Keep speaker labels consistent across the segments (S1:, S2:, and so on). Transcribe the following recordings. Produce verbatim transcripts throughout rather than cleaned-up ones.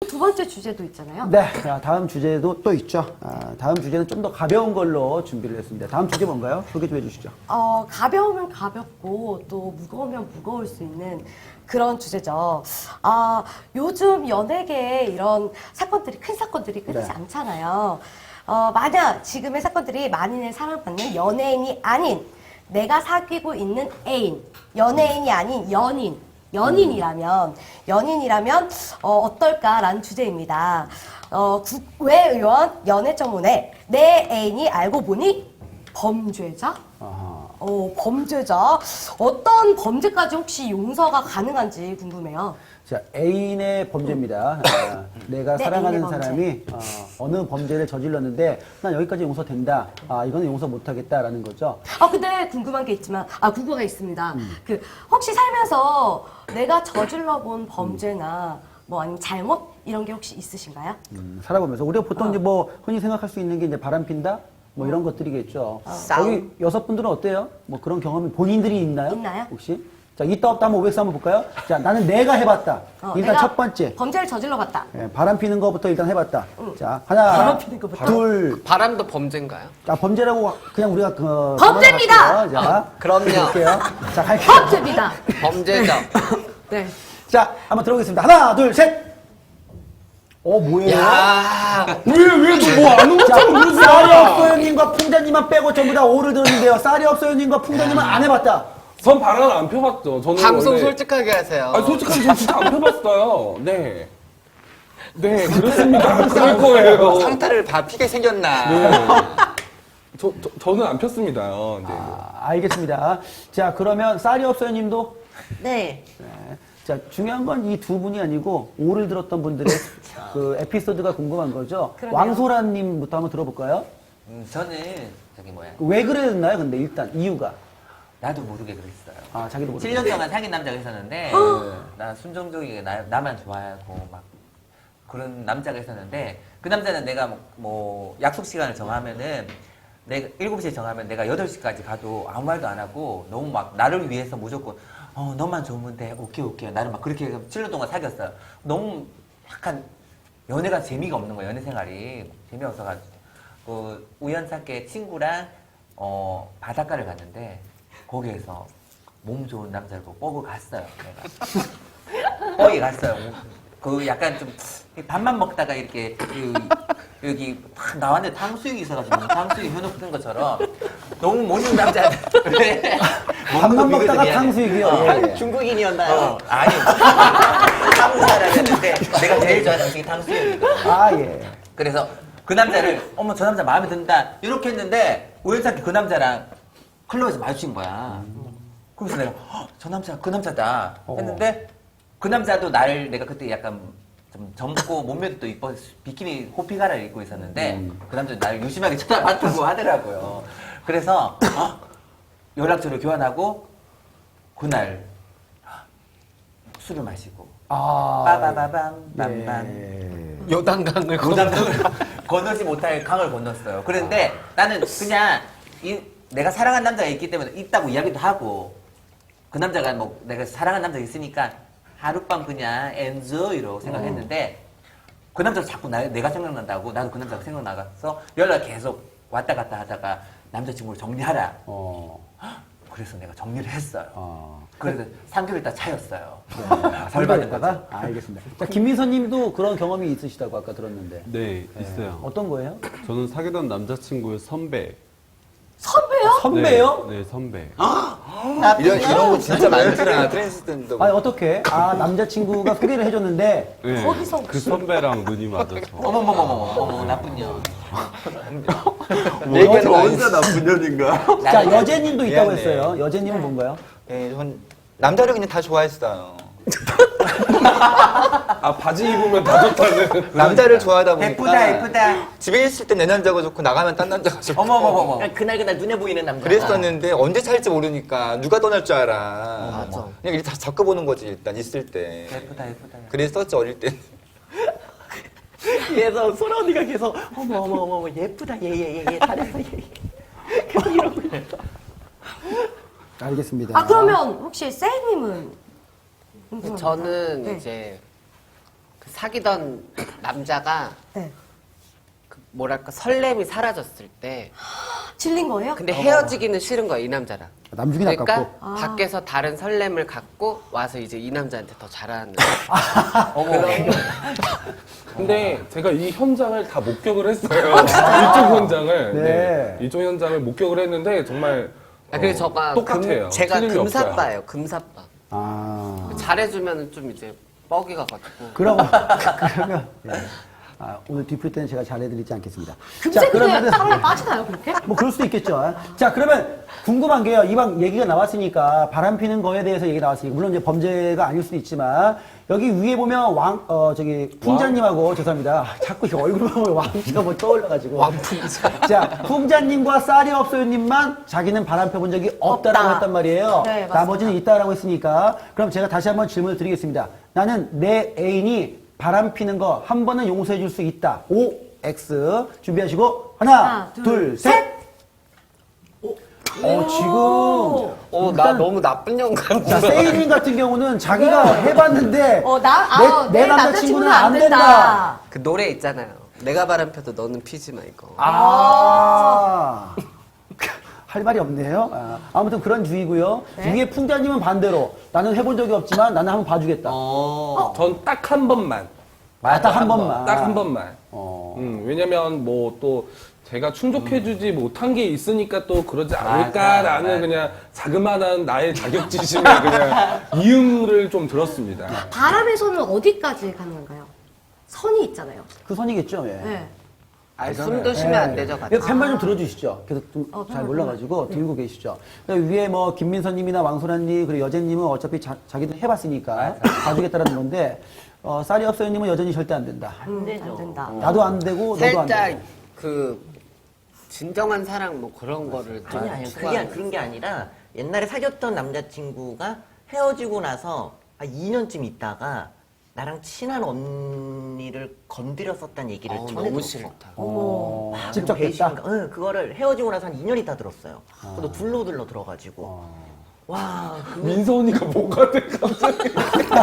S1: 두 번째 주제도 있잖아요.
S2: 네, 자, 다음 주제도 또 있죠. 아, 다음 주제는 좀 더 가벼운 걸로 준비를 했습니다. 다음 주제 뭔가요? 소개 좀 해주시죠.
S1: 어, 가벼우면 가볍고 또 무거우면 무거울 수 있는 그런 주제죠. 아, 요즘 연예계에 이런 사건들이, 큰 사건들이 끊이지
S2: 네.
S1: 않잖아요. 어, 만약 지금의 사건들이 만인의 사랑받는 연예인이 아닌 내가 사귀고 있는 애인, 연예인이 아닌 연인, 연인이라면, 연인이라면, 어, 어떨까라는 주제입니다. 어, 국회의원 연애청문회, 내 애인이 알고 보니 범죄자?
S2: 아하.
S1: 어, 범죄자. 어떤 범죄까지 혹시 용서가 가능한지 궁금해요.
S2: 자, 애인의 범죄입니다. 아, 내가
S1: 네,
S2: 사랑하는
S1: 애인의 범죄.
S2: 사람이 어, 어느 범죄를 저질렀는데 난 여기까지 용서된다. 아, 이거는 용서 못하겠다라는 거죠.
S1: 아, 근데 궁금한 게 있지만, 아, 궁금한 게 있습니다. 그, 혹시 살면서 내가 저질러 본 범죄나 뭐 아니면 잘못 이런 게 혹시 있으신가요?
S2: 음, 살아보면서 우리가 보통
S1: 어.
S2: 이제 뭐 흔히 생각할 수 있는 게 이제 바람 핀다 뭐 이런 것들이겠죠. 여기 여섯 분들은 어때요? 뭐 그런 경험이 본인들이 있나요?
S1: 있나요?
S2: 혹시? 자, 있다 없다 한번 오백스 한번 볼까요? 자, 나는 내가 해봤다.
S1: 어,
S2: 일단
S1: 내가
S2: 첫 번째.
S1: 범죄를 저질러 봤다.
S2: 예, 바람 피는 거부터 일단 해봤다. 자, 하나,
S1: 바람 피는 거부터?
S2: 둘,
S3: 바람도 범죄인가요?
S2: 자, 범죄라고 그냥 우리가 그.
S1: 범죄입니다!
S2: 넘어갈게요. 자,
S3: 그럼요.
S2: 볼게요. 자, 갈게요.
S1: 범죄입니다.
S3: 범죄죠.
S1: 네.
S2: 자, 한번 들어보겠습니다. 하나, 둘, 셋! 어, 뭐예요?
S3: 야,
S4: 왜, 왜, 뭐안
S2: 자,
S4: 오잖아,
S2: 쌀이 없어요님과 풍자님만 빼고 전부 다 오를 들었는데요. 쌀이 없어요님과 풍자님은 안 해봤다.
S4: 전 바람 안 펴봤죠. 저는
S3: 방송
S4: 원래-
S3: 솔직하게 하세요.
S4: 아니, 솔직하게 저 진짜 안 펴봤어요. 네. 네, 그렇습니다. 그럴 거예요.
S3: 상타를 다 피게 생겼나.
S4: 네. 저, 저, 저는 안 폈습니다. 네.
S2: 아, 알겠습니다. 자, 그러면 쌀이 없어요님도?
S1: 네.
S2: 네. 자, 중요한 건 이 두 분이 아니고 오를 들었던 분들의 그 에피소드가 궁금한 거죠.
S1: 그러네요.
S2: 왕소라님부터 한번 들어볼까요?
S5: 음, 저는 저기 뭐야
S2: 왜 그랬나요? 근데 일단 이유가.
S5: 나도 모르게 그랬어요.
S2: 아, 자기도 모르겠어요.
S5: 칠 년 동안 사귄 남자가 있었는데 나 순종적이게 나, 나만 좋아하고 막 그런 남자가 있었는데 그 남자는 내가 뭐, 뭐 약속 시간을 정하면은 내가 일곱 시에 정하면 내가 여덟 시까지 가도 아무 말도 안 하고 너무 막 나를 위해서 무조건 어 너만 좋으면 돼 오케이 오케이 나를 막 그렇게 칠 년 동안 사귀었어요. 너무 약간 연애가 재미가 없는 거예요. 연애 생활이 재미없어가지고 그 우연찮게 친구랑 어 바닷가를 갔는데 거기에서 몸 좋은 남자를 보고 뽀고 갔어요. 내가 거기 갔어요. 그 약간 좀 밥만 먹다가 이렇게 그 여기 탁 나왔는데 탕수육이 있어가지고 탕수육 현혹 뜬 것처럼 너무 멋있는 남자.
S2: 밥만 먹다가 탕수육이요.
S5: 어.
S2: 예, 예.
S5: 중국인이었나요? 어, 아니. 한국 사람이었는데 내가 제일 좋아하는 음식이 탕수육이거든.
S2: 아, 예.
S5: 그래서 그 남자를 어머 저 남자 마음에 든다 이렇게 했는데 우연찮게 그 남자랑 클럽에서 마주친 거야. 그래서 내가 헉, 저 남자 그 남자다 했는데 그 남자도 나를 내가 그때 약간 좀 젊고 몸매도 또 이뻐 비키니 호피가라를 입고 있었는데 그 남자 나를 유심하게 쳐다봤다고 하더라고요. 그래서 어? 연락처를 교환하고 그날 술을 마시고
S2: 아.
S5: 빠바바밤 빰빰
S2: 예.
S3: 요단강을
S5: 고장강을 건너지 못할 강을 건넜어요. 그런데 나는 그냥 이, 내가 사랑한 남자가 있기 때문에 있다고 이야기도 하고 그 남자가 뭐 내가 사랑한 남자가 있으니까 하룻밤 그냥 엔조이로 생각했는데 그 남자가 자꾸 나, 내가 생각난다고 나도 그 남자가 생각나서 연락 계속 왔다 갔다 하다가 남자친구를 정리하라.
S2: 어.
S5: 그래서 내가 정리를 했어요.
S2: 어.
S5: 그래서 삼 개월 있다 차였어요.
S2: 벌 받았다가? 아, 알겠습니다. 자, 김민선 님도 그런 경험이 있으시다고 아까 들었는데.
S6: 네, 있어요.
S2: 어떤 거예요?
S6: 저는 사귀던 남자친구의 선배.
S1: 선배요?
S2: 선배요?
S6: 네, 네, 선배.
S3: 이런, 이런 거 진짜 많더라. 트랜스젠더.
S2: 아니, 어떻게? 아, 남자친구가 소개를 해줬는데.
S6: 네,
S1: 거기서
S6: 그 선배랑 눈이 맞아서.
S5: 어머머머머머, 어머, 나쁜 년.
S3: 얘기는 언제 나쁜 년인가?
S2: 자, 여제님도 있다고
S3: 미안해.
S2: 했어요. 여제님은 뭔가요?
S3: 예, 전 남자를 그냥 다 좋아했어요.
S4: 아, 바지 입으면 다 좋다는.
S3: 남자를 좋아하다 보니까
S5: 예쁘다, 예쁘다.
S3: 집에 있을 때 내 남자가 좋고 나가면 딴 남자가 좋고
S5: 어머머머머. 그날 그날 눈에 보이는 남자.
S3: 그랬었는데 언제 살지 모르니까 누가 떠날 줄 알아.
S5: 맞아.
S3: 그냥 일단 겪어보는 거지 일단 있을 때.
S5: 예쁘다, 예쁘다.
S3: 그랬었지 어릴 때.
S5: 그래서 소라 언니가 계속 어머 어머 어머 어머 예쁘다 예예예 잘했어 예. 계속 이러고 있어.
S2: 알겠습니다.
S1: 아, 그러면 혹시 세이님은?
S3: 음.
S1: 궁금합니다.
S3: 저는
S1: 네.
S3: 이제
S7: 그 사귀던 남자가
S1: 네.
S7: 그 뭐랄까 설렘이 사라졌을 때
S1: 질린 거예요?
S7: 근데 헤어지기는 싫은 거야 이 남자랑.
S2: 남중이
S7: 그러니까
S2: 아깝고.
S1: 아.
S7: 밖에서 다른 설렘을 갖고 와서 이제 이 남자한테 더 잘하는.
S5: 어머.
S4: 근데 제가 이 현장을 다 목격을 했어요. 이쪽 현장을.
S2: 네.
S4: 네. 이쪽 현장을 목격을 했는데 정말
S7: 아, 그래서
S4: 어,
S7: 저가
S4: 똑같아요.
S7: 금, 제가
S4: 틀림이 없어요.
S7: 금사빠예요. 금사빠.
S2: 아.
S7: 잘해주면 좀 이제 뻑이 가가지고.
S2: 그러면, 그러면, 예. 아, 오늘 뒷풀 때는 제가 잘해드리지 않겠습니다.
S1: 금세 그냥 사랑에 빠지나요, 그렇게?
S2: 뭐 그럴 수도 있겠죠. 자, 그러면 궁금한 게요. 이방 얘기가 나왔으니까 바람 피는 거에 대해서 얘기 나왔으니까 물론 이제 범죄가 아닐 수도 있지만 여기 위에 보면 왕, 어, 저기 풍자님하고 죄송합니다. 아, 자꾸 이 얼굴 보면 왕씨가 뭐 떠올라가지고.
S7: 왕풍자.
S2: 자, 풍자님과 쌀이 없어요님만 자기는 바람 펴본 적이 없다라고
S1: 없다.
S2: 했단 말이에요.
S1: 네, 맞습니다.
S2: 나머지는 있다라고 했으니까 그럼 제가 다시 한번 질문을 드리겠습니다. 나는 내 애인이 바람 피는 거 한 번은 용서해 줄 수 있다. O, X. 준비하시고 하나,
S1: 하나,
S2: 둘,
S1: 둘,
S2: 셋.
S1: 셋.
S2: 어, 지금.
S7: 어, 나 너무 나쁜 영감.
S2: 자, 세이님 같은 경우는 자기가 해봤는데
S1: 어, 나, 아,
S2: 내, 내 남자친구는 안 된다.
S7: 그 노래 있잖아요. 내가 바람 펴도 너는 피지 마 이거.
S2: 아. 할 말이 없네요. 아, 아무튼 그런 주의고요.
S1: 네.
S2: 위에 풍자님은 반대로 나는 해본 적이 없지만 나는 한번 봐주겠다.
S5: 어.
S4: 전 딱 한 번만.
S2: 아, 딱 한 번만.
S4: 딱 한 번만.
S2: 어.
S4: 음, 왜냐면 뭐 또 제가 충족해주지 못한 게 있으니까 또 그러지
S5: 맞아,
S4: 않을까라는
S5: 맞아.
S4: 그냥 자그마한 나의 자격지심에 그냥 이응을 좀 들었습니다.
S1: 바람에서는 어디까지 가는 건가요? 선이 있잖아요.
S2: 그 선이겠죠. 예.
S1: 네.
S7: 아니, 숨도 쉬면 안 되죠, 같이.
S2: 이거 펜만 좀 들어주시죠. 계속 좀
S1: 어,
S2: 잘
S1: 펜만
S2: 몰라가지고 들고 계시죠. 그러니까 위에 뭐 김민서님이나 왕소라님 그리고 여제님은 어차피 자, 자기들 해봤으니까 봐주겠다라는 건데 어, 쌀이 없어요님은 여전히 절대 안 된다.
S1: 음, 안 된다.
S2: 나도 안 되고 너도 안
S7: 살짝
S2: 되고.
S7: 그 진정한 사랑 뭐 그런 거를 좀
S8: 아니, 아니, 그게,
S7: 추구하는
S8: 아니- 그런 게 아니라 옛날에 사귀었던 남자친구가 헤어지고 나서 한 이 년쯤 있다가 나랑 친한 언니를 건드렸었다는 얘기를
S7: 어,
S8: 전해
S7: 너무
S8: 들었어.
S7: 싫다.
S2: 어,
S8: 아,
S2: 직접
S8: 그
S2: 됐다.
S8: 배신감. 응, 그거를 헤어지고 나서 한 이 년 있다 들었어요. 그것도 둘러둘러 들어가지고. 와, 그
S4: 민서 언니가 뭐가 돼 갑자기?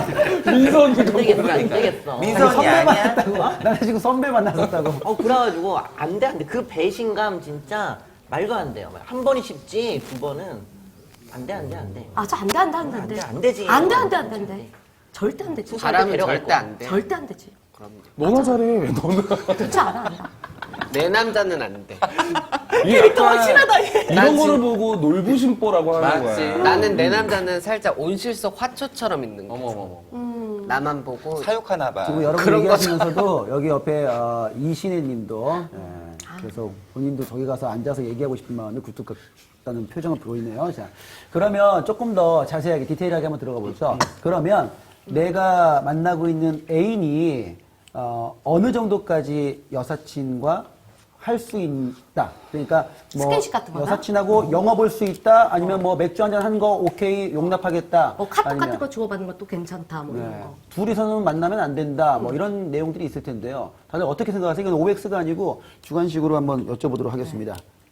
S4: 민서 언니가
S8: 안 되겠어,
S4: 뭐가
S8: 안
S4: 돼?
S8: 되겠어.
S5: 민선이
S2: 선배
S5: 아니야?
S2: 만났다고? 나는 지금 선배 만났었다고.
S8: 어, 그래가지고 안 돼, 안 돼. 그 배신감 진짜 말도 안 돼요. 한 번이 쉽지 두 번은 안 돼, 안 돼, 안 돼.
S1: 아, 저 안 돼, 안 돼, 안 돼, 안 돼.
S8: 안 돼, 안 되지.
S1: 안 돼, 안 돼, 안 돼, 안 돼. 절대 안 되지.
S7: 바람은
S8: 데려갈
S7: 절대 안 돼.
S1: 절대 안 되지.
S7: 그럼요.
S4: 너나 잘해. 왜 너는?
S1: 그렇지 않아, 않아.
S7: 내 남자는 안 돼.
S4: 이게 약간
S7: 난
S4: 이런
S7: 진-
S4: 거를 보고 놀부심보라고 하는
S5: 맞지.
S4: 거야.
S7: 나는 내 남자는 살짝 온실 속 화초처럼 있는 거야.
S5: 어머 어머 어머.
S7: 나만 보고
S5: 사육하나 봐.
S2: 지금 여러분
S7: 그런
S2: 얘기하시면서도 여기 옆에 어, 이신혜 님도 예, 계속 본인도 저기 가서 앉아서 얘기하고 싶은 마음이 굴뚝 같다는 표정을 보이네요. 자, 그러면 조금 더 자세하게 디테일하게 한번 들어가 보죠. 그러면 내가 만나고 있는 애인이 어, 어느 정도까지 여사친과 할 수 있다. 그러니까 뭐
S1: 스킨십 같은 거나?
S2: 여사친하고 영화 볼 수 있다. 아니면 뭐 맥주 한잔 한 거 오케이 용납하겠다.
S1: 뭐 카톡
S2: 아니면
S1: 같은 거 주고받는 것도 괜찮다, 뭐 이런
S2: 네.
S1: 거.
S2: 둘이서는 만나면 안 된다. 뭐 이런 내용들이 있을 텐데요. 다들 어떻게 생각하세요? 이건 오엑스가 아니고 주관식으로 한번 여쭤보도록 하겠습니다.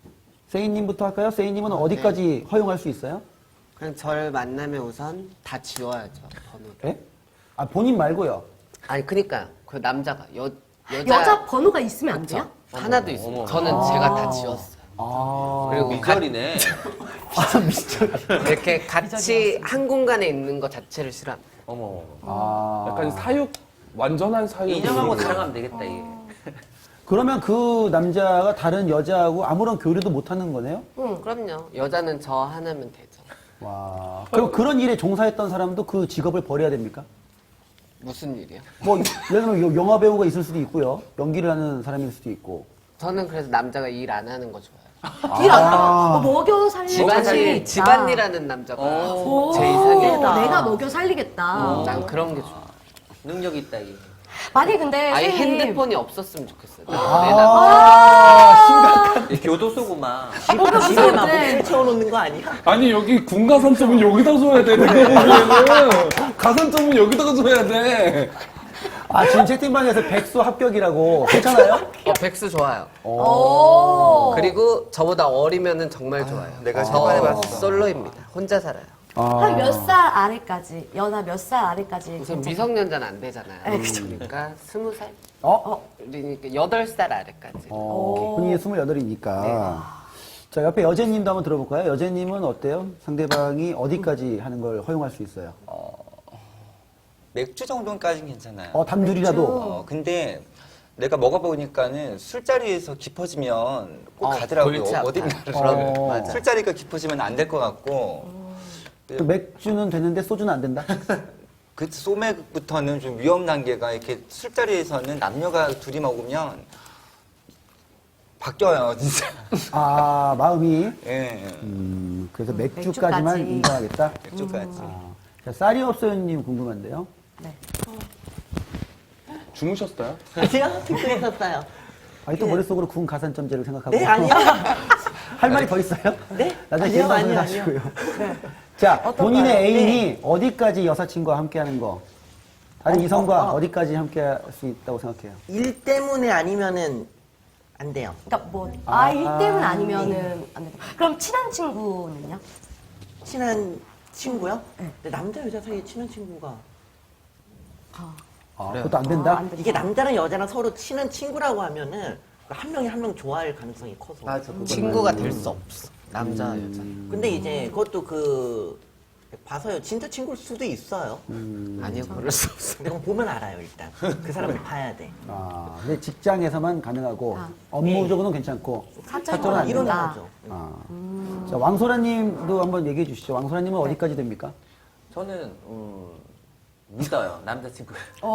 S2: 세인님부터 할까요? 세인님은 어디까지 허용할 수 있어요?
S7: 그냥 절 만나면 우선 다 지워야죠 번호를.
S2: 예? 아 본인 말고요.
S7: 아니 그니까 그 남자가 여 여자,
S1: 여자 번호가 있으면 안 돼요?
S7: 하나도 있어요. 저는 제가 다 지웠어요.
S2: 아,
S7: 그리고 가,
S5: 미결이네.
S2: 아 미스터.
S7: 이렇게 같이 한 공간에 있는 것 자체를 싫어합니다.
S5: 어머 어머.
S2: 아,
S4: 약간 사육 완전한 사육.
S5: 인형하고 사랑하면 되겠다 이게.
S2: 그러면 그 남자가 다른 여자하고 아무런 교류도 못 하는 거네요?
S7: 응, 그럼요. 여자는 저 하나면 되죠.
S2: 와. 그럼 그런 일에 종사했던 사람도 그 직업을 버려야 됩니까?
S7: 무슨 일이요?
S2: 뭐 예를 들면 영화 배우가 있을 수도 있고요. 연기를 하는 사람일 수도 있고.
S7: 저는 그래서 남자가 일 안 하는 거 좋아해요.
S1: 일 안 아. 먹여 살리는
S7: 집안일, 집안일하는 남자가
S1: 오,
S7: 제 이상이다.
S1: 내가 먹여 살리겠다.
S7: 난 그런 게 좋아.
S5: 능력 있다 이게.
S1: 만약 근데
S7: 아예
S1: 선생님,
S7: 핸드폰이 없었으면 좋겠어요. 내
S2: 아,
S5: 이 교도소구만.
S1: 먹여
S8: 집에 막
S1: 살리는데
S8: 목줄 채워놓는 거 아니야?
S4: 아니 여기 군 가산점은 여기다 줘야 돼. 내가 보기에는 가산점은 여기다가 줘야 돼.
S2: 아, 지금 채팅방에서 백수 합격이라고. 괜찮아요?
S7: 어, 백수 좋아요.
S1: 오.
S7: 그리고 저보다 어리면은 정말 좋아요.
S5: 내가
S7: 저
S5: 생각해봤어.
S7: 솔로입니다. 혼자 살아요.
S2: 아.
S1: 한 몇 살 아래까지, 연하 몇 살 아래까지.
S7: 우선
S1: 괜찮-
S7: 미성년자는 안 되잖아요.
S1: 네, 그쵸.
S7: 그러니까 스무 살?
S2: 어?
S7: 그러니까 여덟 살 아래까지.
S2: 어, 본인이 스물여덟이니까. 자, 옆에 여제님도 한번 들어볼까요? 여제님은 어때요? 상대방이 어디까지 하는 걸 허용할 수 있어요?
S3: 맥주 정도까지는 괜찮아요.
S2: 어, 단둘이라도.
S3: 어, 근데 내가 먹어보니까는 술자리에서 깊어지면 꼭
S7: 어,
S3: 가더라고요.
S7: 골치 아파요.
S3: 어딘가를.
S2: 어.
S7: 맞아.
S3: 술자리가 깊어지면 안 될 것 같고.
S2: 그 맥주는 되는데 소주는 안 된다?
S3: 그 소맥부터는 좀 위험 단계가 이렇게 술자리에서는 남녀가 둘이 먹으면 바뀌어요, 진짜.
S2: 아, 마음이.
S3: 예.
S2: 음, 그래서 맥주까지만
S1: 맥주까지.
S2: 인정하겠다?
S3: 맥주까지.
S2: 아, 자, 쌀이 없어요님 궁금한데요?
S1: 네.
S4: 주무셨어요?
S8: 아니요, 듣고 있었어요.
S2: 아니, 또 머릿속으로 구운 가산점제를 생각하고.
S8: 네, 아니요.
S2: 할 말이 더 있어요?
S8: 네?
S2: 나중에
S8: 아니요,
S2: 기회가
S8: 아니요,
S2: 하시고요. 자,
S1: 어떤가요?
S2: 본인의 애인이
S8: 네.
S2: 어디까지 여사친과 함께 하는 거? 다른
S8: 어,
S2: 이성과
S8: 어, 어.
S2: 어, 디까지 함께 할 수 있다고 생각해요?
S8: 일 때문에 아니면은 안 돼요.
S1: 그러니까 뭐,
S2: 아,
S1: 아, 일 때문 아니면은 안 되고. 그럼 친한 친구는요?
S8: 친한 친구요? 근데 남자 여자 사이에 친한 친구가
S2: 아, 그것도 안 된다?
S1: 아, 안 된다.
S8: 이게 남자랑 여자랑 서로 친한 친구라고 하면은 한 명이 한 명 좋아할 가능성이 커서.
S7: 맞아. 친구가 될 수 없어. 남자, 여자.
S8: 근데 이제 그것도 그 봐서요. 진짜 친구일 수도 있어요.
S7: 아니요, 그럴 수 없어.
S8: 근데 그건 보면 알아요, 일단. 그 사람을 봐야 돼.
S2: 아, 근데 직장에서만 가능하고
S1: 아.
S2: 업무적으로는 괜찮고 사적으로는 안
S8: 이런
S2: 된다.
S8: 거죠.
S2: 아. 자, 왕소라님도 한번 얘기해 주시죠. 왕소라님은 어디까지 됩니까?
S5: 저는 음, 믿어요 남자친구.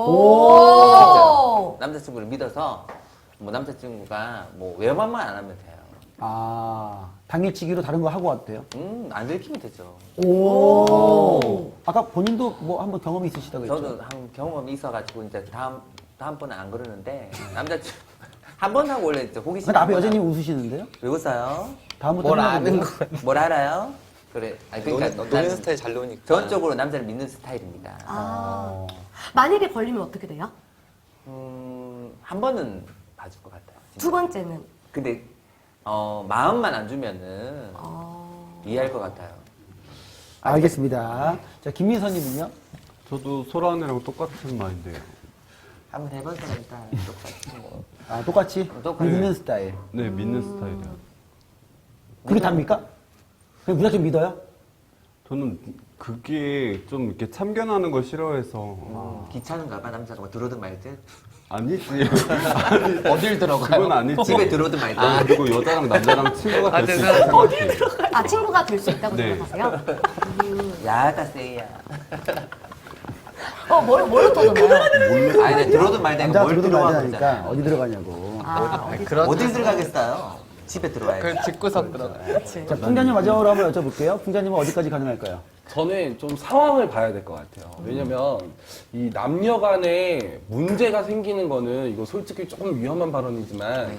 S1: 오!
S5: 남자친구를 믿어서 뭐 남자친구가 뭐 외만만 안 하면 돼요.
S2: 아, 당일치기로 다른 거 하고 왔대요.
S5: 음안 들키면 되죠.
S2: 오. 아까 본인도 뭐 한번 경험이 있으시다고 했죠?
S5: 저도 한 경험이 있어가지고 이제 다음 다음 번은 안 그러는데 남자친구 한 번 하고 원래 이제 호기심.
S2: 근데 앞에 여자님 웃으시는데요?
S5: 왜 웃어요?
S2: 다음부터
S7: 뭘
S2: 하면
S7: 아는
S2: 돼요?
S7: 거야.
S5: 뭘 알아요? 그래. 아니
S3: 노는,
S5: 그러니까
S3: 노는
S5: 난
S3: 스타일 잘 노니까.
S5: 전적으로 남자를 믿는 스타일입니다.
S1: 아. 만약에 걸리면 어떻게 돼요?
S5: 음, 한 번은 봐줄 것 같아요. 진짜.
S1: 두 번째는?
S5: 근데 어, 마음만 안 주면은
S1: 어...
S5: 이해할 것 같아요.
S2: 알겠습니다. 자, 김민서님은요?
S6: 저도 소라 언니랑 똑같은 마인드예요.
S5: 한번 해보세요 일단 똑같이 뭐.
S2: 아, 똑같이?
S5: 똑같이.
S2: 믿는 스타일.
S6: 네, 믿는 스타일이에요.
S2: 그게 답니까? 그냥 무작정 믿어요?
S6: 저는 그게 좀 이렇게 참견하는 걸 싫어해서.
S5: 음, 귀찮은가 봐 남자가 뭐 들어든 말든
S6: 아니지.
S7: 어딜 들어가요?
S6: 그건 아니지.
S5: 집에 들어든 말든
S6: 아, 그리고 여자랑 남자랑 친구가
S7: 아,
S6: 될 수
S7: 죄송해요.
S6: 있다고 생각해요.
S1: 아, 친구가 될 수 있다고
S6: 네.
S1: 생각하세요?
S5: 야가 세야.
S1: 어, 뭘, 뭘로 터졌나요?
S5: 아니 근데 들어든 말든
S2: 남자가
S5: 뭘
S2: 들어도
S5: 들어가
S2: 말자니까
S5: 그러잖아요.
S2: 어디 들어가냐고.
S1: 아, 어디,
S7: 그런
S5: 어딜 들어가겠어요? 집에 들어와야지.
S7: 그 집구석 들어가.
S1: 그치.
S2: 자, 풍자님 마지막으로 한번 여쭤볼게요. 풍자님은 어디까지 가능할까요?
S4: 저는 좀 상황을 봐야 될 것 같아요. 왜냐면 이 남녀 간에 문제가 생기는 거는 이거 솔직히 조금 위험한 발언이지만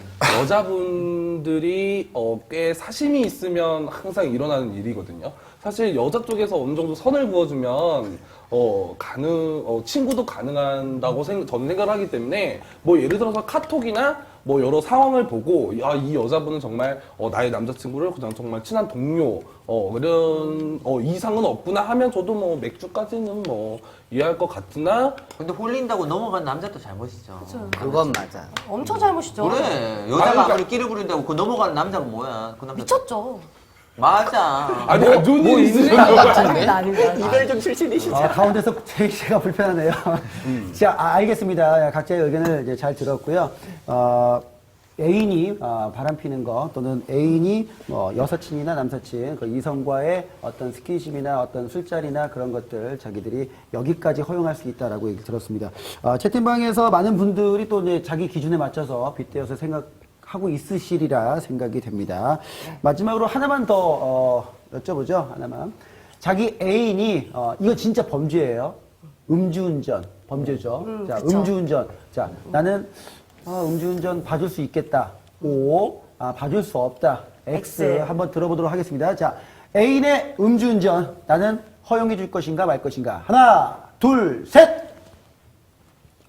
S4: 여자분들이 어, 꽤 사심이 있으면 항상 일어나는 일이거든요. 사실 여자 쪽에서 어느 정도 선을 그어주면 어, 가능, 어, 친구도 가능한다고 생, 저는 생각을 하기 때문에 뭐 예를 들어서 카톡이나 뭐 여러 상황을 보고 야, 이 여자분은 정말 어, 나의 남자친구를 그냥 정말 친한 동료 어, 그런 어, 이상은 없구나 하면 저도 뭐 맥주까지는 뭐 이해할 것 같으나
S5: 근데 홀린다고 넘어간 남자도 잘못이죠.
S7: 그건 맞아.
S1: 엄청 잘못이죠.
S5: 그래 여자가
S4: 아니, 그러니까-
S5: 아무리 끼를 부린다고 그 넘어가는 남자가 뭐야? 그 남자
S1: 미쳤죠.
S5: 맞아.
S4: 아니 안 좋은 일이 있으신 거
S1: 아닙니다, 아닙니다.
S8: 이별 좀 출신이시죠?
S2: 아, 가운데서 제일 제가 불편하네요. 자, 아, 알겠습니다. 각자의 의견을 이제 잘 들었고요. 어, 애인이 어, 바람피는 거 또는 애인이 뭐 여사친이나 남사친 그 이성과의 어떤 스킨십이나 어떤 술자리나 그런 것들 자기들이 여기까지 허용할 수 있다라고 얘기 들었습니다. 어, 채팅방에서 많은 분들이 또 이제 자기 기준에 맞춰서 빗대어서 생각하고 있으시리라 생각이 됩니다. 마지막으로 하나만 더 어, 여쭤보죠. 하나만. 자기 애인이 어, 이거 진짜 범죄예요. 음주운전 범죄죠.
S1: 음,
S2: 자,
S1: 그쵸.
S2: 음주운전. 자, 나는 아, 음주운전 봐줄 수 있겠다. O. 아, 봐줄 수 없다. X.
S1: X.
S2: 한번 들어보도록 하겠습니다. 자, 애인의 음주운전 나는 허용해 줄 것인가 말 것인가. 하나, 둘, 셋.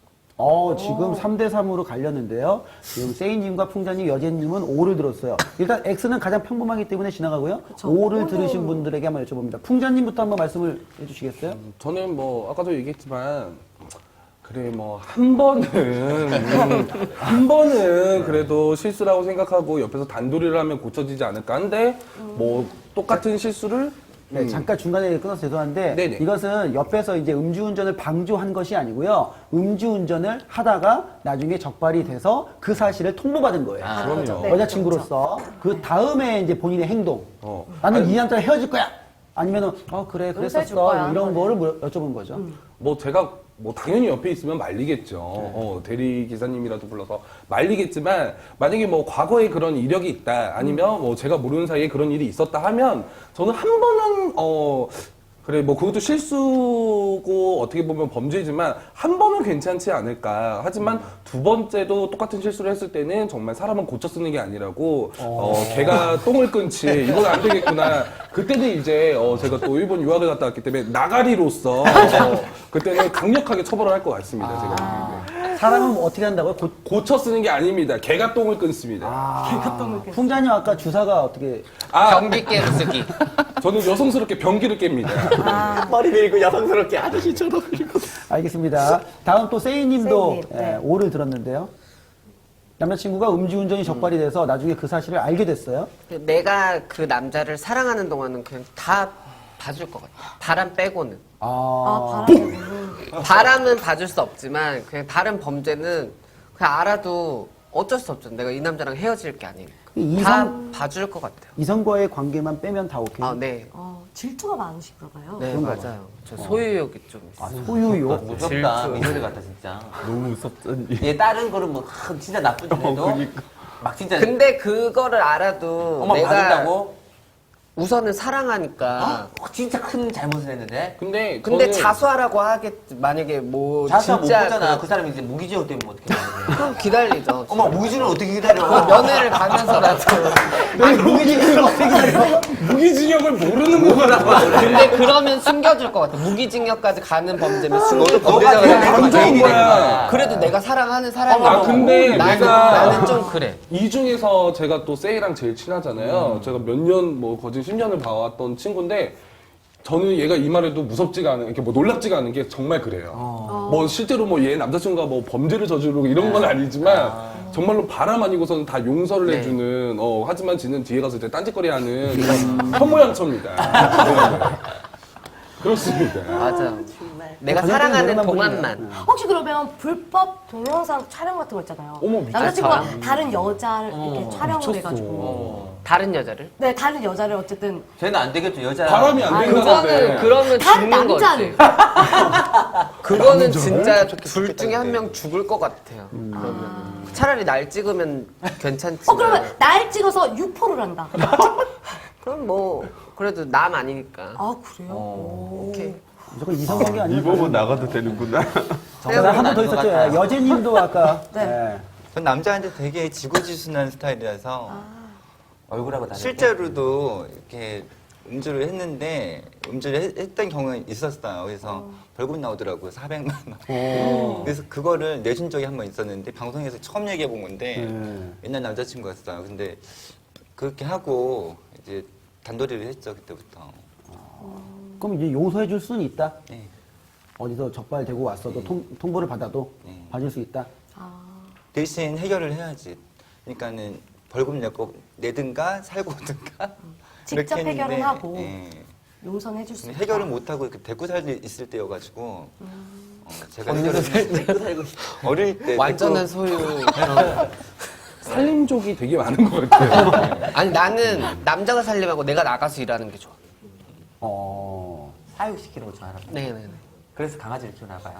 S2: 어, 지금 삼 대 삼으로 갈렸는데요. 지금 세이님과 풍자님, 여제님은 오를 들었어요. 일단 X는 가장 평범하기 때문에 지나가고요. 오를 들으신 분들에게 한번 여쭤봅니다. 풍자님부터 한번 말씀을 해주시겠어요?
S4: 저는 뭐 아까도 얘기했지만 그래 뭐 한 번은 음, 한 번은 그래도 실수라고 생각하고 옆에서 단도리를 하면 고쳐지지 않을까 한데 뭐 똑같은 실수를
S2: 네,
S4: 음,
S2: 잠깐 중간에 끊어서 죄송한데
S4: 네네.
S2: 이것은 옆에서 이제 음주운전을 방조한 것이 아니고요. 음주운전을 하다가 나중에 적발이 돼서 그 사실을 통보받은 거예요.
S5: 아,
S4: 그럼요.
S1: 네,
S2: 여자친구로서 그 다음에 이제 본인의 행동.
S4: 어.
S2: 나는 이 남자랑 헤어질 거야. 아니면은 어 그래
S1: 용서해줄
S2: 그랬었어
S1: 거야.
S2: 뭐 이런 거를 물- 여쭤본 거죠.
S4: 뭐 제가 뭐 당연히 옆에 있으면 말리겠죠. 어, 대리 기사님이라도 불러서 말리겠지만 만약에 뭐 과거에 그런 이력이 있다 아니면 뭐 제가 모르는 사이에 그런 일이 있었다 하면 저는 한 번은 어 그래 뭐 그것도 실수고 어떻게 보면 범죄지만 한 번은 괜찮지 않을까. 하지만 두 번째도 똑같은 실수를 했을 때는 정말 사람은 고쳐 쓰는 게 아니라고 어, 개가 똥을 끊지 이건 안 되겠구나. 그때는 이제 어, 제가 또 일본 유학을 갔다 왔기 때문에 나가리로서 어, 그때는 강력하게 처벌을 할 것 같습니다. 제가 보기에는.
S2: 사람은 뭐 어떻게 한다고요? 고,
S4: 고쳐 쓰는 게 아닙니다. 개가 똥을 끊습니다.
S2: 아, 풍자님 아까 주사가 어떻게
S4: 아,
S7: 경비 깨로 쓰기.
S4: 저는 여성스럽게 변기를 깹니다.
S8: 머리 밀고 여성스럽게 아저씨처럼 밀고.
S2: 알겠습니다. 다음 또 세이님도
S1: 세이님, 네.
S2: 예, 오를 들었는데요. 남자친구가 음주운전이 적발이 돼서 나중에 그 사실을 알게 됐어요.
S7: 내가 그 남자를 사랑하는 동안은 그냥 다 봐줄 것 같아. 바람 빼고는.
S2: 아,
S1: 아, 바람이.
S7: 바람은 봐줄 수 없지만 그냥 다른 범죄는 그냥 알아도 어쩔 수 없죠. 내가 이 남자랑 헤어질 게 아니니까.
S2: 이성-
S7: 다 봐줄 것 같아요.
S2: 이성과의 관계만 빼면 다 오케이.
S7: 아, 네.
S1: 어, 질투가 많으신가 봐요.
S7: 네,
S2: 그런가
S7: 맞아요. 저 소유욕이 좀 있어요.
S2: 아, 소유욕.
S5: 무섭다. 미소리 같다 진짜.
S6: 너무 무섭잖니.
S5: 얘 다른 거는 뭐 하, 진짜 나쁜 짓 해도 막 진짜
S7: 근데 그거를 알아도
S5: 엄마
S7: 내가
S5: 봐준다고?
S7: 우선은 사랑하니까.
S5: 어, 진짜 큰 잘못을 했는데.
S4: 근데
S7: 근데
S4: 저는
S7: 자수하라고 하겠지. 만약에 뭐
S5: 자수하 못
S7: 진짜
S5: 보잖아.
S7: 그-
S5: 그 사람이 이제 무기징역 때문에 어떻게 하는데.
S7: 그럼 기다리죠.
S5: 엄마 무기징역을 어떻게 기다려?
S7: 그 면회를 가면서라도.
S4: 무기징역을 모르는 거구나.
S7: 근데 그러면 숨겨줄 것 같아. 무기징역까지 가는 범죄면 숨길 것
S5: 너가
S7: 같아.
S5: 제일
S4: 안
S5: 안
S4: 좋은
S5: 좋은
S4: 거야.
S5: 거야.
S7: 그래도 내가 사랑하는 사람이
S4: 아, 근데
S7: 나는,
S4: 내가-
S7: 나는 좀 그래.
S4: 이 중에서 제가 또 세이랑 제일 친하잖아요. 제가 몇 년, 뭐, 거진 십 년을 봐왔던 친구인데, 저는 얘가 이 말에도 무섭지가 않은, 이렇게 뭐 놀랍지가 않은 게 정말 그래요. 뭐, 실제로 뭐, 얘 남자친구가 뭐, 범죄를 저지르고 이런 건 아니지만, 정말로 바람 아니고서는 다 용서를
S7: 네.
S4: 해주는, 어, 하지만 지는 뒤에 가서 이제 딴짓거리 하는 그런 현모양처입니다. 네, 네. 그렇습니다.
S7: 맞아. 내가
S2: 전형적인
S7: 사랑하는
S2: 노래만
S7: 동안만.
S2: 부르네요.
S1: 혹시 그러면 불법 동영상 촬영 같은 거 있잖아요.
S4: 어머, 미쳤다.
S1: 남자친구가
S7: 아,
S1: 다른 여자를 이렇게 촬영을
S4: 미쳤어.
S1: 해가지고.
S7: 다른 여자를?
S1: 네, 다른 여자를 어쨌든.
S5: 쟤는 안 되겠죠. 여자.
S4: 바람이 안
S7: 아,
S4: 된다는데.
S7: 그거는 그러면
S1: 다른
S7: 죽는
S1: 남자를.
S7: 거지. 그거는 진짜 둘 중에 한 명 죽을 것 같아요. 그러면 차라리 날 찍으면 괜찮지.
S1: 어, 그러면 날 찍어서 유포를 한다.
S7: 그럼 뭐 그래도 남 아니니까.
S1: 아, 그래요?
S7: 오케이.
S2: 무조건 이성관계 아니에요.
S6: 이 부분 나가도 되는구나.
S2: 한 번 더 있었죠.
S5: 같아요.
S2: 여제님도 아까
S1: 네.
S2: 예.
S3: 전 남자한테 되게 지고지순한 스타일이라서
S5: 얼굴하고 다르게.
S3: 실제로도 이렇게 음주를 했는데 음주를 했, 했던 경우가 있었어요. 그래서 벌금 나오더라고요. 사백만 원. 그래서 그거를 내준 적이 한 번 있었는데 방송에서 처음 얘기해 본 건데
S2: 네.
S3: 옛날 남자친구였어요. 근데 그렇게 하고 이제 단도리를 했죠. 그때부터.
S2: 그럼 이제 용서해 줄 수는 있다.
S3: 네.
S2: 어디서 적발되고 왔어도 통, 통보를 받아도
S3: 네.
S2: 봐줄 수 있다.
S3: 대신 해결을 해야지. 그러니까는 벌금 내고 내든가 살고 오든가
S1: 직접
S3: 그렇게 했는데,
S1: 해결은 하고.
S3: 예.
S1: 용서는 해줄 수 있다.
S3: 해결을 못 하고 데리고 살 있을 때여가지고 어, 제가 해결을 데리고 살고 어릴 때
S7: 완전한
S3: 데리고-
S7: 소유. 그런.
S4: 살림족이 되게 많은 것 같아요.
S7: 아니 나는 남자가 살림하고 내가 나가서 일하는 게 좋아.
S2: 어.
S5: 사육시키는 거 좋아하나 봐요.
S7: 네네네.
S5: 그래서 강아지를 키우나 봐요.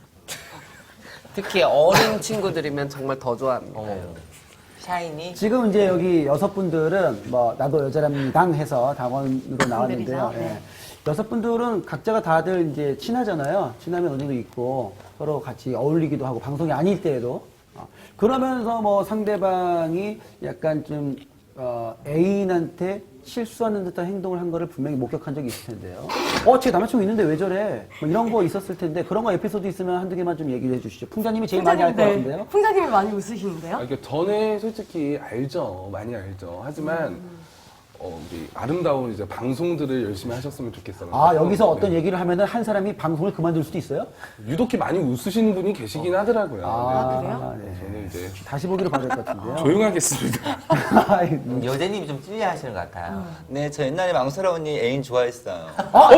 S7: 특히 어린 친구들이면 정말 더 좋아합니다.
S5: 샤이니.
S2: 지금 이제 여기 여섯 분들은 뭐 나도 여자랍니다 해서 당원으로 나왔는데요.
S1: 분들이죠? 네.
S2: 예. 여섯 분들은 각자가 다들 이제 친하잖아요. 친하면 어느 정도 있고 서로 같이 어울리기도 하고 방송이 아닐 때에도 어. 그러면서 뭐 상대방이 약간 좀 어, 애인한테 실수하는 듯한 행동을 한 거를 분명히 목격한 적이 있을 텐데요. 어, 제 남자친구 있는데 왜 저래? 뭐 이런 거 있었을 텐데 그런 거 에피소드 있으면 한두 개만 좀 얘기를 해주시죠. 풍자님이 제일 많이 알 것 같은데요.
S1: 풍자님이 많이 웃으시는데요?
S4: 아, 그러니까 전에 솔직히 알죠. 많이 알죠. 하지만 어, 우리 아름다운 이제 방송들을 열심히 하셨으면 좋겠어요.
S2: 아, 여기서
S4: 네.
S2: 어떤 얘기를 하면은 한 사람이 방송을 그만둘 수도 있어요?
S4: 유독히 많이 웃으시는 분이 계시긴 하더라고요.
S2: 아,
S1: 그래요?
S2: 네.
S4: 저는 이제
S2: 다시 보기로 봐야 될 것 같은데요.
S4: 조용하겠습니다.
S2: 아이,
S5: 음, 여자님이 좀 찔려 하시는 것 같아요.
S3: 네, 저 옛날에 망설아 언니 애인 좋아했어요.
S2: 어,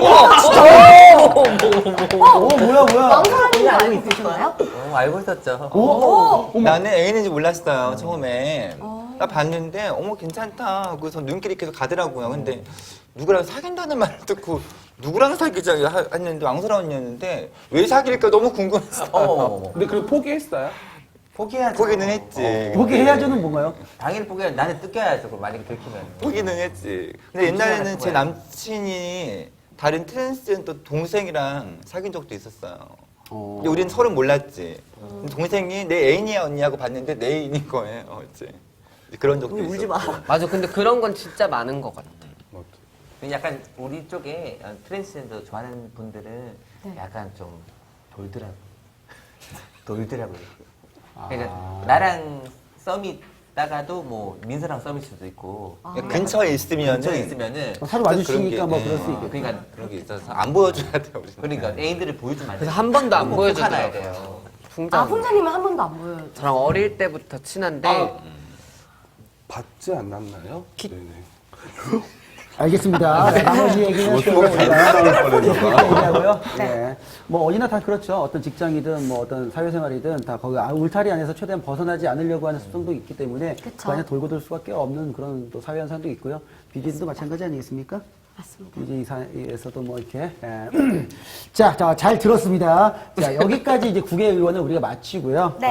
S2: 뭐야, 뭐야.
S1: 망설아님이 알고 있으신가요?
S5: 어, 알고 있었죠.
S2: 어?
S3: 나는 애인인지 몰랐어요, 처음에. 나 봤는데, 어머, 괜찮다. 그래서 눈길이 계속 가더라고요. 근데 누구랑 사귄다는 말을 듣고, 누구랑 사귀자 하- 했는데, 망설아 언니였는데, 왜 사귈까 너무 궁금했어요.
S5: 어머머머.
S4: 근데 그걸 포기했어요?
S5: 포기해야죠.
S3: 포기는 했지.
S2: 보기 해야죠는 뭔가요?
S5: 당연히 포기해야죠. 나는 뜯겨야죠. 그럼 만약에 들키면.
S3: 포기는 했지. 근데 옛날에는 제 남친이 다른 트랜스젠더 동생이랑 사귄 적도 있었어요.
S2: 어.
S3: 근데 우리는 서로 몰랐지. 동생이 내 애인이야 언니 하고 봤는데 내 애인인 거예요. 이제 그런 적도 있었어.
S8: 울지 마.
S7: 맞아. 근데 그런 건 진짜 많은 것 같아.
S5: 근데 약간 우리 쪽에 어, 트랜스젠더 좋아하는 분들은
S1: 네.
S5: 약간 좀 돌더라고. 돌더라고요.
S2: 아.
S5: 그러니까 나랑 썸이 있다가도 뭐 민서랑 썸일 수도 있고
S3: 근처에 있으면은
S5: 근처에 있으면은
S2: 어, 서로 마주치니까
S3: 그런
S2: 뭐
S3: 게,
S2: 그럴 수
S3: 네.
S2: 있겠죠.
S5: 그러니까
S3: 그런 게 있어서 안 보여줘야 돼요. 우리는.
S5: 그러니까 애인들을 보여주면 안 돼.
S7: 그래서 한 번도 안
S5: 꼭
S7: 보여주더라고요.
S5: 하나야 돼요.
S7: 풍자.
S1: 아, 풍자님은 한 번도 안 보여요.
S7: 저랑 어릴 때부터 친한데
S4: 아, 받지 않았나요? 네네.
S2: 알겠습니다. 네, 나머지 얘기는 또 우리가 얘기하고요. 네. 뭐 어디나 다 그렇죠. 어떤 직장이든 뭐 어떤 사회생활이든 다 거기 아, 울타리 안에서 최대한 벗어나지 않으려고 하는 습성도 있기 때문에
S1: 그쵸.
S2: 그 안에 돌고 돌 수밖에 없는 그런 또 사회 현상도 있고요. 비즈니스도 마찬가지 아니겠습니까?
S1: 맞습니다.
S2: 비즈니스에서도 뭐 이렇게 예. 자, 자, 잘 들었습니다. 자, 여기까지 이제 국회 의원을 우리가 마치고요.
S1: 네.